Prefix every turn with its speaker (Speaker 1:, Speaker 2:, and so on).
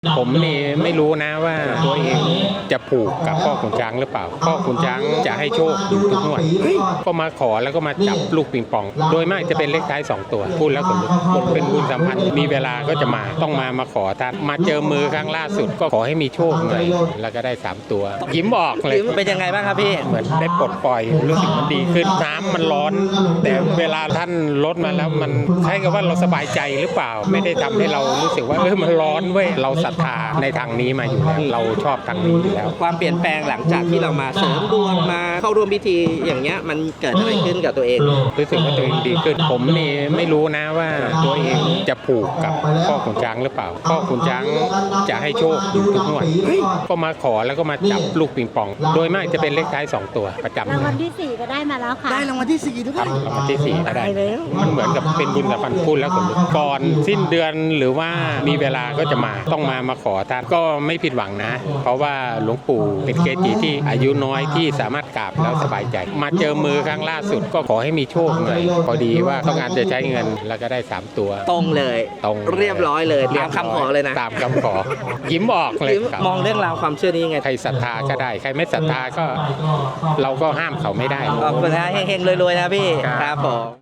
Speaker 1: ผมนี่ไม่รู้นะว่าตัวเองจะผูกกับพ่อขุนช้างหรือเปล่าพ่อขุนช้างจะให้โชคอยู่ทุกงวดก็มาขอแล้วก็มาจับลูกปิงปองโดยมากจะเป็นเลขท้าย2ตัวพูดแล้วผมเป็นบุญสัมพันธ์มีเวลาก็จะมาต้องมาขอท่านมาเจอมือครั้งล่าสุดก็ขอให้มีโชคหน่อยแล้วก็ได้3ตัวยิ้มออกเลย
Speaker 2: เป็นยังไงบ้างครับพี่
Speaker 1: เหมือนได้ปลดปล่อยรู้สึกมันดีขึ้นน้ำมันร้อน แต่เวลาท่านลดมาแล้วมันคล้ายกับว่าเราสบายใจหรือเปล่าไม่ได้ทำให้เรารู้สึกว่ามันร้อนเว้ยเราศรัทธาในทางนี้มาอยู่แล้วเราชอบทางนี้อยู่แล้ว
Speaker 2: ความเปลี่ยนแปลงหลังจากที่เรามาเสริมดวงมาเข้าร่วมพิธีอย่างเงี้ยมันเกิดอะไรขึ้นกับตัวเอง
Speaker 1: รู้สึกว่าตัวเองดีขึ้นผมนี่ไม่รู้นะว่าตัวเองจะผูกกับพ่อขุนช้างหรือเปล่าพ่อขุนช้างจะให้โชคอยู่ทุกงวดก็มาขอแล้วก็มาจับลูกปิงปองโดยมากจะเป็นเลขท้าย2ตัวประจำ
Speaker 3: รางวัลที่ 4 ก็ได้มาแล้วค่ะ
Speaker 2: ได้รางวัลที่4ด้วย
Speaker 1: ครับรางวัลที่4ก็ได้
Speaker 2: ตายแล้ว
Speaker 1: มันเหมือนกับเป็นบุญสัมพันธ์พูดแล้วขนลุกก่อนสิ้นเดือนหรือว่ามีเวลาก็จะมาต้องมาขอท่านก็ไม่ผิดหวังนะ เพราะว่าหลวงปู่เป็นเกจิที่อายุน้อยที่สามารถกราบแล้วสบายใจ มาเจอมือครั้งล่าสุดก็ขอให้มีโชคหน่อยพอดีว่าต้องการจะใช้เงินแล้วก็ได้3ตัว
Speaker 2: ตรงเลย
Speaker 1: ตรง
Speaker 2: เรียบร้อยเลยตามคำขอเลยนะ
Speaker 1: ตามคำขอยิ้มออกเลยครับ
Speaker 2: มองเรื่องราวความเชื่อนี้ยังไง
Speaker 1: ใครศรัทธาก็ได้ใครไม่ศรัทธาก็เราก็ห้ามเขาไม่ได้
Speaker 2: ขอบคุณนะเฮงๆรวยๆนะพี่
Speaker 1: ครับ
Speaker 2: ครับผม